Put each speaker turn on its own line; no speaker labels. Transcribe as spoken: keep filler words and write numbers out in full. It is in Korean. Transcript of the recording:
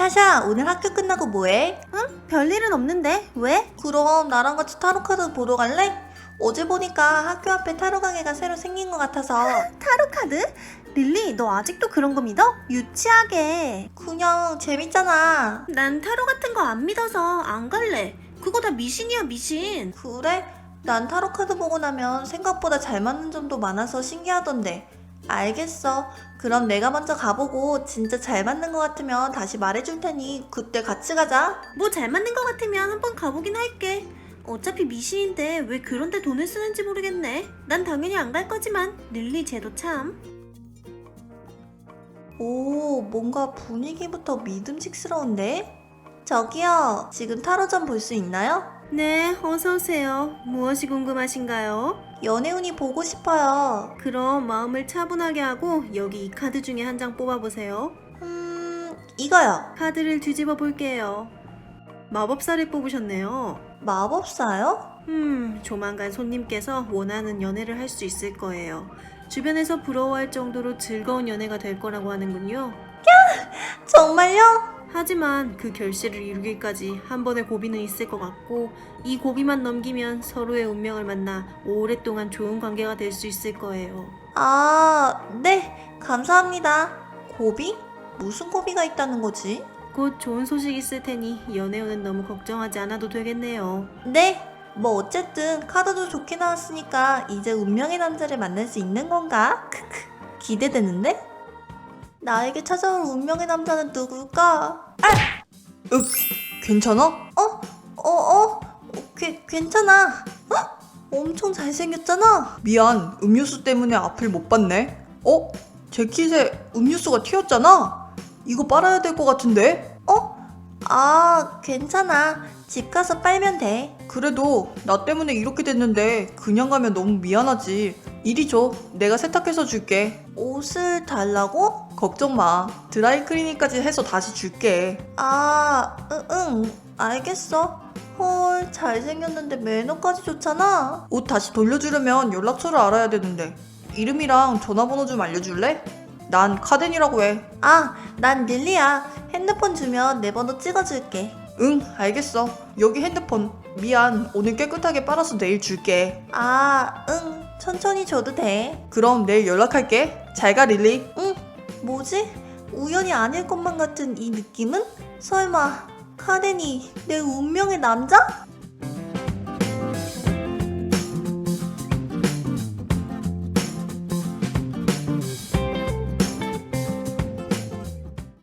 타샤, 오늘 학교 끝나고 뭐해?
응? 별일은 없는데 왜?
그럼 나랑 같이 타로카드 보러 갈래? 어제 보니까 학교 앞에 타로 가게가 새로 생긴 것 같아서.
타로 카드? 릴리 너 아직도 그런 거 믿어? 유치하게.
그냥 재밌잖아.
난 타로 같은 거 안 믿어서 안 갈래. 그거 다 미신이야 미신.
그래? 난 타로카드 보고 나면 생각보다 잘 맞는 점도 많아서 신기하던데. 알겠어. 그럼 내가 먼저 가보고 진짜 잘 맞는 것 같으면 다시 말해줄 테니 그때 같이 가자.
뭐 잘 맞는 거 같으면 한번 가보긴 할게. 어차피 미신인데 왜 그런데 돈을 쓰는지 모르겠네. 난 당연히 안 갈 거지만 릴리 쟤도 참.
오, 뭔가 분위기부터 믿음직스러운데? 저기요, 지금 타로점 볼 수 있나요?
네, 어서 오세요. 무엇이 궁금하신가요?
연애운이 보고 싶어요.
그럼 마음을 차분하게 하고 여기 이 카드 중에 한 장 뽑아보세요.
음, 이거요.
카드를 뒤집어 볼게요. 마법사를 뽑으셨네요.
마법사요?
음, 조만간 손님께서 원하는 연애를 할 수 있을 거예요. 주변에서 부러워할 정도로 즐거운 연애가 될 거라고 하는군요.
정말요?
하지만 그 결실을 이루기까지 한 번의 고비는 있을 것 같고, 이 고비만 넘기면 서로의 운명을 만나 오랫동안 좋은 관계가 될 수 있을 거예요.
아, 네, 감사합니다. 고비? 무슨 고비가 있다는 거지?
곧 좋은 소식이 있을 테니 연애운은 너무 걱정하지 않아도 되겠네요.
네, 뭐 어쨌든 카드도 좋게 나왔으니까 이제 운명의 남자를 만날 수 있는 건가? 크크, 기대되는데? 나에게 찾아올 운명의 남자는 누굴까? 아!
윽, 괜찮아?
어? 어? 어? 괴, 괜찮아. 어? 엄청 잘생겼잖아.
미안, 음료수 때문에 앞을 못 봤네. 어? 재킷에 음료수가 튀었잖아? 이거 빨아야 될 것 같은데?
어? 아, 괜찮아. 집 가서 빨면 돼.
그래도 나 때문에 이렇게 됐는데 그냥 가면 너무 미안하지. 이리 줘, 내가 세탁해서 줄게.
옷을 달라고?
걱정 마, 드라이클리닝까지 해서 다시 줄게.
아, 응, 응, 알겠어. 헐, 잘생겼는데 매너까지 좋잖아.
옷 다시 돌려주려면 연락처를 알아야 되는데 이름이랑 전화번호 좀 알려줄래? 난 카덴이라고 해.
아, 난 릴리야. 핸드폰 주면 내 번호 찍어줄게.
응, 알겠어. 여기 핸드폰. 미안, 오늘 깨끗하게 빨아서 내일 줄게.
아, 응, 천천히 줘도 돼.
그럼 내일 연락할게. 잘 가, 릴리.
응, 뭐지? 우연이 아닐 것만 같은 이 느낌은? 설마 카덴이 내 운명의 남자?